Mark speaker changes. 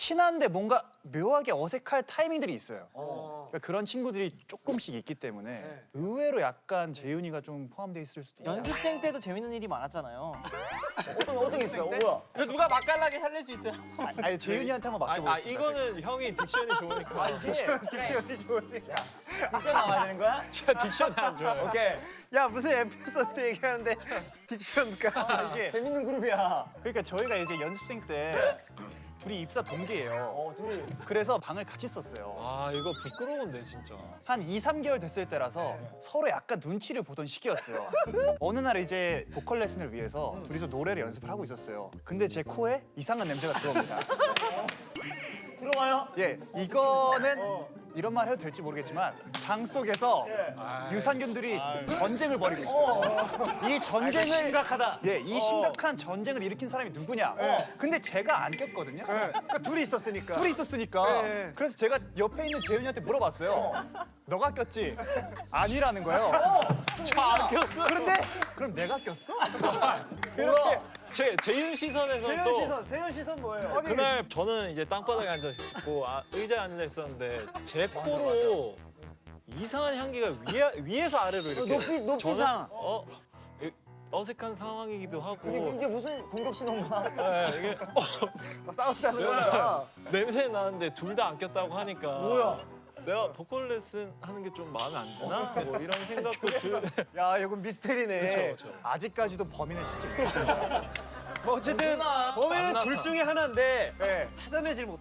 Speaker 1: 친한데 뭔가 묘하게 어색할 타이밍들이 있어요. 그러니까 그런 친구들이 조금씩 있기 때문에 의외로 약간 재윤이가 좀 포함되어 있을 수도 있죠.
Speaker 2: 연습생 때도 재밌는 일이 많았잖아요.
Speaker 3: 어떻게 있어요? 뭐야?
Speaker 2: 누가 맛깔나게 살릴 수 있어요?
Speaker 1: 아니 재윤이한테 한번 맡겨보겠습니다.
Speaker 4: 이거는 형이 딕션이 좋으니까.
Speaker 1: 딕션이 좋으니까.
Speaker 3: 딕션 나와야 되는 거야?
Speaker 4: 제가 딕션이 안 좋아요.
Speaker 3: 오케이.
Speaker 2: 야 무슨 에피소드 얘기하는데 딕션가 이게
Speaker 3: 재밌는 그룹이야.
Speaker 1: 그러니까 저희가 이제 연습생 때 둘이 입사 동기예요.
Speaker 3: 둘이.
Speaker 1: 그래서 방을 같이 썼어요.
Speaker 4: 아 이거 부끄러운데 진짜.
Speaker 1: 한 2, 3개월 됐을 때라서 서로 약간 눈치를 보던 시기였어요. 어느 날 이제 보컬 레슨을 위해서 둘이서 노래를 연습을 하고 있었어요. 근데 제 코에 이상한 냄새가 들어옵니다.
Speaker 3: 들어와요?
Speaker 1: 예, 이거는 이런 말 해도 될지 모르겠지만 장 속에서 유산균들이 전쟁을 벌이고 있어요. 이 전쟁을
Speaker 2: 심각하다.
Speaker 1: 예, 이 심각한 전쟁을 일으킨 사람이 누구냐? 근데 제가 안 꼈거든요.
Speaker 2: 그러니까 둘이 있었으니까.
Speaker 1: 둘이 있었으니까. 그래서 제가 옆에 있는 재윤이한테 물어봤어요. 너가 꼈지? 아니라는 거예요.
Speaker 4: 저안 꼈어.
Speaker 1: 그런데 그럼 내가 꼈어?
Speaker 4: 이렇게 재윤 시선에서 또
Speaker 2: 세윤 시선 뭐예요?
Speaker 4: 그날 저는 이제 땅바닥에 앉아 있고 의자에 앉아 있었는데 제 코로 이상한 향기가 위에서 아래로 이렇게
Speaker 3: 높이상.
Speaker 4: 어색한 상황이기도 하고
Speaker 3: 이게 무슨 공격 신호인가?
Speaker 4: 네, 이게
Speaker 2: 싸우자는 거야.
Speaker 4: 냄새 나는데 둘 다 안 꼈다고 하니까
Speaker 3: 뭐야?
Speaker 4: 내가 보컬 레슨 하는 게 좀 마음에 안 드나? 뭐 이런 생각도 들.
Speaker 2: 야 이건 미스테리네.
Speaker 4: 그렇죠.
Speaker 1: 아직까지도 범인을 찾지 못했어요.
Speaker 2: 뭐 어쨌든 범인은
Speaker 4: 안
Speaker 2: 둘
Speaker 4: 나타.
Speaker 2: 중에 하나인데 찾아내질 못.